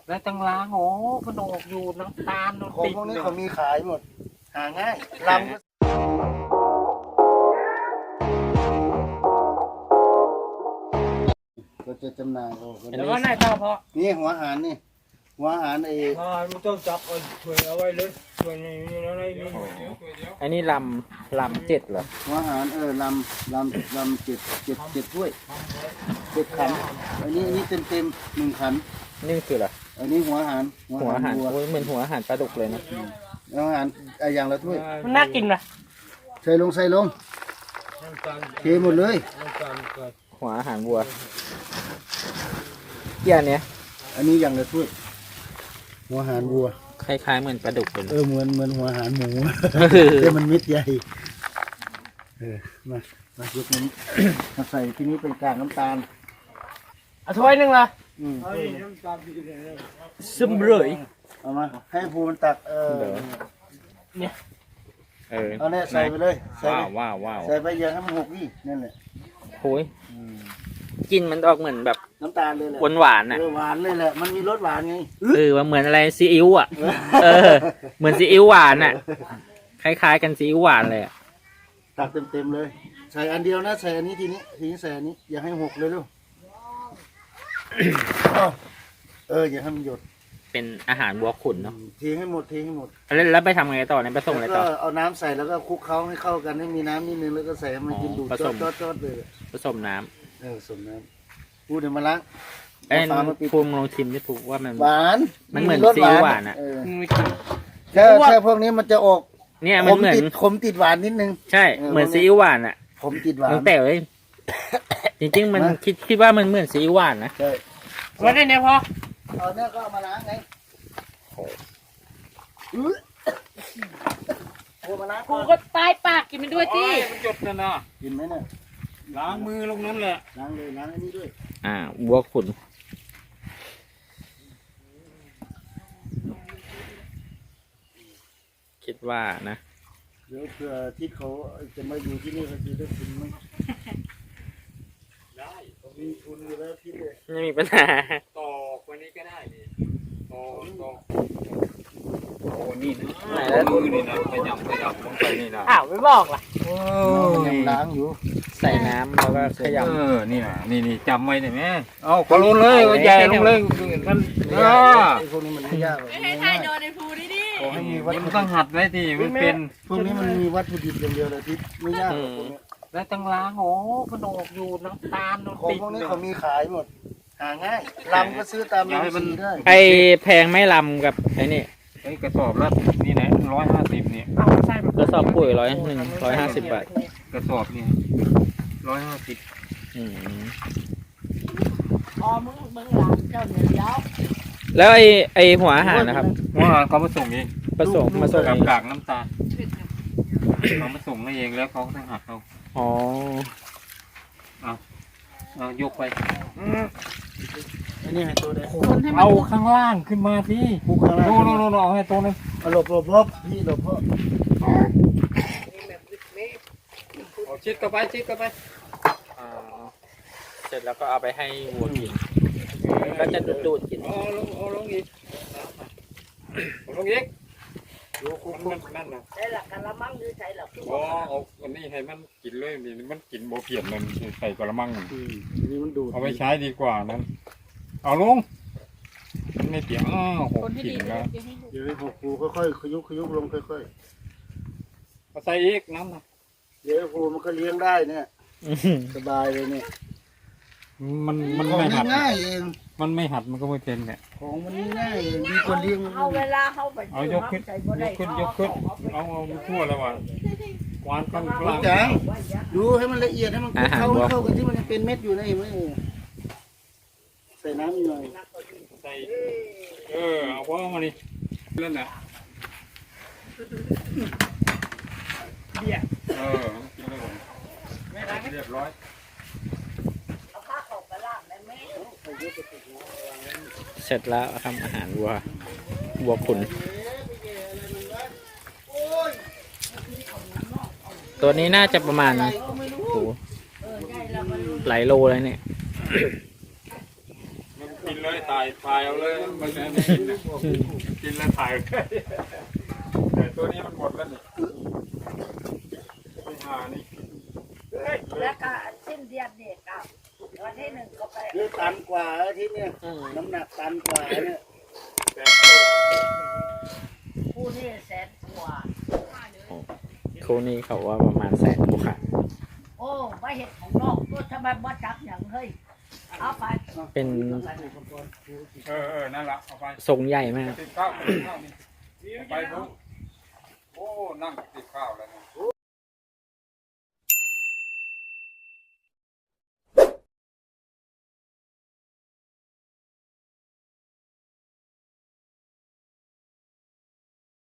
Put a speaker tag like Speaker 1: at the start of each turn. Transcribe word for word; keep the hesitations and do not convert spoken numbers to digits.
Speaker 1: แล้วตังล้างโอ้ขนมอยู่น้ำตาล
Speaker 2: ของพวกนี้เขามีขายหมดหาง่ายลำก็จะจำหน่ายโอ้โห
Speaker 1: แล้วก็นายต่อพอ
Speaker 2: นี่หัวอาหารนี่หัวอาหารไอ้
Speaker 3: มันต้องจับเอาถ้วยเอาไว้เลยถ้วยนี้นี่อะไรนี่
Speaker 1: อันนี้ลำลำเจ็ดเหรอ
Speaker 2: หัวอาหารเออลำลำลำเจ็ดเจ็ดเจ็ดถ้วยเจ็ดขันอันนี้อันนี้เต็มเต็มหนึ่งขัน
Speaker 1: นี่คืออะไร
Speaker 2: อันนี้หัวอาหาร
Speaker 1: หัวอาหาร
Speaker 2: วัว
Speaker 1: โอ้ยเหมือนหัวอาหารปลาดุกเลยนะ
Speaker 2: หัวอาหารไอ้อย่างละถ้วย
Speaker 1: มันน่ากินนะ
Speaker 2: ใส่ลงใส่ลงเทหมดเลย
Speaker 1: หัวอาหารวัวเกี่ยเนี้ย
Speaker 2: อันนี้อย่างละถ้วยหัวอาหารวัว
Speaker 1: คล้ายๆเหมือนปลาดุกเลย
Speaker 2: เอ
Speaker 1: นะ
Speaker 2: อเหมือนเหมือนหัวอาหารหมูแต่มันเม็ดใหญ่เออมามายกนี้มาใส่ที่นี้เป็นกากน้ำตาล
Speaker 1: เอาถ้วยหนึ่งละ
Speaker 2: อืม
Speaker 1: ซึมเลย
Speaker 2: เอามาให้ภูมันตักเออ
Speaker 1: เนี่ยเออ
Speaker 2: เอาเนี่ยใส่ไปเลยใส่
Speaker 1: ว้า
Speaker 2: ไป
Speaker 1: วว้าวว้าว
Speaker 2: ใส่ไปอย่าให้มันหกนี่นั่นแหละ
Speaker 1: โอ้ยกินมันออกเหมือนแบบ
Speaker 2: น้ำตาลเลยแหละ
Speaker 1: หวานหวานๆน่ะ
Speaker 2: เออหวานเลยแหละมันมีรสหวานไง
Speaker 1: เออว่าเหมือนอะไรซีอิ๊วอ่ะเออเหมือนซีอิ๊วหวานอ่ะคล้ายๆกันซีอิ๊วหวานเลยอ่ะ
Speaker 2: ตักเต็มๆเลย ใส่อันเดียวนะใส่อันนี้ทีนี้ทีนี้ใส่อันนี้อย่าให้หกเลยลูก เอออย่าให้มันหยด
Speaker 1: เป็นอาหารวัวขุนเนาะ
Speaker 2: เทให้หมดเทให้หมด
Speaker 1: แล้วแล้วไปทำไงต่อเนี่ยไปส่งอะไร
Speaker 2: แล้ว
Speaker 1: ต่
Speaker 2: ก็
Speaker 1: อ
Speaker 2: เอาน้ำใส่แล้วก็คลุกเคล้าให้เข้ากันให้มีน้ำนิดนึงแล้วก็ใส่ให้มันกินดูด
Speaker 1: ผ
Speaker 2: จ
Speaker 1: ส
Speaker 2: อ
Speaker 1: ม
Speaker 2: ดจอดจอดเลย
Speaker 1: ผสมน้ำ
Speaker 2: เออสมน้ำพูดเดี๋ยวมาล้าง
Speaker 1: เอ้ย
Speaker 2: าฝามาปิด
Speaker 1: ภูมิลองชิมดิภูมิว่ามัน
Speaker 2: หวาน
Speaker 1: มันเหมือน
Speaker 2: รส
Speaker 1: ซีอิ๊วหวานอะ
Speaker 2: เแค่แค่พวกนี้มันจะออก
Speaker 1: เนี่ย
Speaker 2: ข
Speaker 1: มัน
Speaker 2: ม
Speaker 1: เหมือน
Speaker 2: ติดขมติดหวานนิดนึง
Speaker 1: ใช่
Speaker 2: เออ
Speaker 1: เหมือนซีอิ๊วหวานอ่ะ
Speaker 2: ขมติดหวาน
Speaker 1: ตั้งแต่เลยจริงๆมัน
Speaker 2: มา
Speaker 1: คิดคิดว่ามันเหมือนซีอิ๊วหวานนะ
Speaker 2: ใช่
Speaker 1: ว่าได้เนี่ยพอ
Speaker 2: เอาเนี่ยก็เอามาล้างไงอื้อโอ้มาล้าง
Speaker 4: กู
Speaker 2: ก่อน
Speaker 4: ก็ตายปากกินมันด้วยที่
Speaker 3: มันหยดนะนะ
Speaker 2: กินไหมเนี่ย
Speaker 3: ล้างมือลงนั้นแหละ
Speaker 2: ล้างเลยล้างอันนี้ด้วย
Speaker 1: อ่าวัวขุนคิดว่านะ
Speaker 2: เดี๋ยวเผื่อที่เขาจะมาอยู่ที่นี่เขาจะได้กินไหมได้ผมมีทุนอยู่แล้วที่เลย
Speaker 1: ไม่มีปัญหา
Speaker 3: ตอกวันนี้ก็ได้นี่ตอกตอกโอ้นี่นะ
Speaker 1: ไหนแล้ว
Speaker 3: มือนี่นะขยำขยำลงไปนี่นะ
Speaker 1: อ้าวไม่บอกล่ะ
Speaker 3: โอ้
Speaker 2: มันยังล้างอยู่
Speaker 1: ใส่น้ำแล้วก็ข
Speaker 3: เอย
Speaker 1: ำ
Speaker 3: อนี่นะนี่นี่จำไว้ได้ไหมเอาขอลงเลยเอาใหญ่ลงเลยมันเออ
Speaker 2: ไอ้พวกนี้มันไม่ยากหรอก
Speaker 4: ให้ทายโดนในภูนี่ดิ
Speaker 2: ขอให้มีวัต
Speaker 3: นี่
Speaker 2: ถุ
Speaker 3: มัน
Speaker 2: ดิ
Speaker 3: ต้อบ งหัดไว้ที่มันเป็น
Speaker 2: พวกนี้มันมีวัตถุดิบอย่างเดียวเลยที่ไม่ยากหรอกพวกนี้
Speaker 1: แล้วตังล้างโอ้ขนมอยู่น้ำตาล
Speaker 2: ของพวกนี้เขามีขายหมด หาง่ายลำก็ซื้อตามร้านสีได้
Speaker 1: ไอแพงไม่ลำกับไอ้นี่
Speaker 3: ไอ้กระสอบละนี่นะร้อยห้าสิบเนี่ย
Speaker 1: กระสอบปุ๋ยร้อยหนึ่งร้อยห้าสิบบาท
Speaker 3: กระสอบนี่ร้อยห้าสิบ
Speaker 1: อืม
Speaker 4: อ๋อมึงมึงหลังเจ้าเหนือยาว
Speaker 1: แล้วไอไอหัวอาหารนะครับ
Speaker 3: ว่าเขามาส่งเอง
Speaker 1: ผสมมาส่ง
Speaker 3: กับ
Speaker 1: เอง
Speaker 3: กากน้ำตาลเขามาส่งมาเองแล้วเขาต้องหักเอา
Speaker 1: อ๋อ
Speaker 3: เอายกไป
Speaker 2: อันนี้ให้ตัวได้
Speaker 4: คนให้มัน
Speaker 3: เอาข้างล่างขึ้นมาสิ
Speaker 2: คุกข้างล่าง
Speaker 3: โน่นโน่นโน่นเอาให้ตัวนึง
Speaker 2: เอาหลบหลบหลบพี่หลบพ่อ
Speaker 3: เอาชิดเข้าไปชิดเข้าไป
Speaker 1: อ่าเสร็จแล้วก็เอาไปให้วัวกินก็จะดูดๆกิน
Speaker 3: เอาลงเอาลงอีกเอาลงอีก
Speaker 2: ดูคุก
Speaker 3: มัน
Speaker 2: คุก
Speaker 3: นั่นนะ
Speaker 4: ใช่หลักกันละมั่งหรือใช่หลัก
Speaker 3: อ๋อเอาอันนี้ให้มันกินเลยนี่มันกินโบเพียนมันใส่กระมัง
Speaker 2: อืมอันนี้มันดูด
Speaker 3: เอาไปใช้ดีกว่านั้น เอาลงมันไม่เปียกอ้าวหก
Speaker 4: คนที่
Speaker 3: ขิ
Speaker 4: ดี
Speaker 3: งแล้ว
Speaker 2: เดี๋ยวให้หกภูค่อยๆขยุกขยุกลงค่อย
Speaker 3: เอาใส่อีกน้ำนะ
Speaker 2: ๆเดี๋ยวภูมันก็เลี้ยงได้เนี่ยสบายเลยเนี่ย
Speaker 3: มันมัน
Speaker 2: ของ
Speaker 3: ไม่หัด
Speaker 2: ง่ายๆเอง
Speaker 3: มันไม่หัดมันก็ไม่เป็นเนี่ย
Speaker 2: ของมันง่ายๆเองดีกว่าเลี้ยง
Speaker 4: เอาเวลาเข้าไป
Speaker 3: เอายกขึ้นยกขึ้นยกขึ้นเอาเอาทั่วแล้วว่ะวานข้างล่าง
Speaker 2: จังดูให้มันละเอียดให้มันคลุกเข้าให้เข้ากันที่มันยังเป็นเม็ดอยู่นะเห็นไหมใส่น้ำอีกหน่อย
Speaker 3: ใส่เออเอาพอมานี่เล่นน่ะเออกินแล้วผมเรียบร้อย
Speaker 4: เอาผ้าขาวไปล่างได้ไหม
Speaker 1: เสร็จแล้วทำอาหารวัววัวขุนตัวนี้น่าจะประมาณโอ้โหหลายโลเลยเนี่ย
Speaker 3: มันกินเลยตาายถ่ายเอาเลยมันจะไม่กินนะกินแล้วถ่ายแต่ตัวนี้มันหมดแล้วนี่ไม่หานี่
Speaker 4: แล้วก็สิ้นเดือนนี่กับวันที่หนึ่งก็ไป
Speaker 2: คือตันกว่าอาที่เนี่ยน้ำหนักตันกว่าเนี่ย
Speaker 3: แต่
Speaker 4: คู่นี่แสนกว่า
Speaker 1: คู่นี้เขาว่าประมาณแสนกว่า
Speaker 4: โอ้ไม่เห็นของนอกก็ทำไมบ่จับอย่างเฮ้ยเอาไป
Speaker 1: เป็น
Speaker 3: เออเออนั่นละเอาไป
Speaker 1: ทรงใหญ่มาก
Speaker 3: ติดข้าวติดข้าวนี่ไปปุ๊บโอ้นั่งติดข้าวแล้วนะ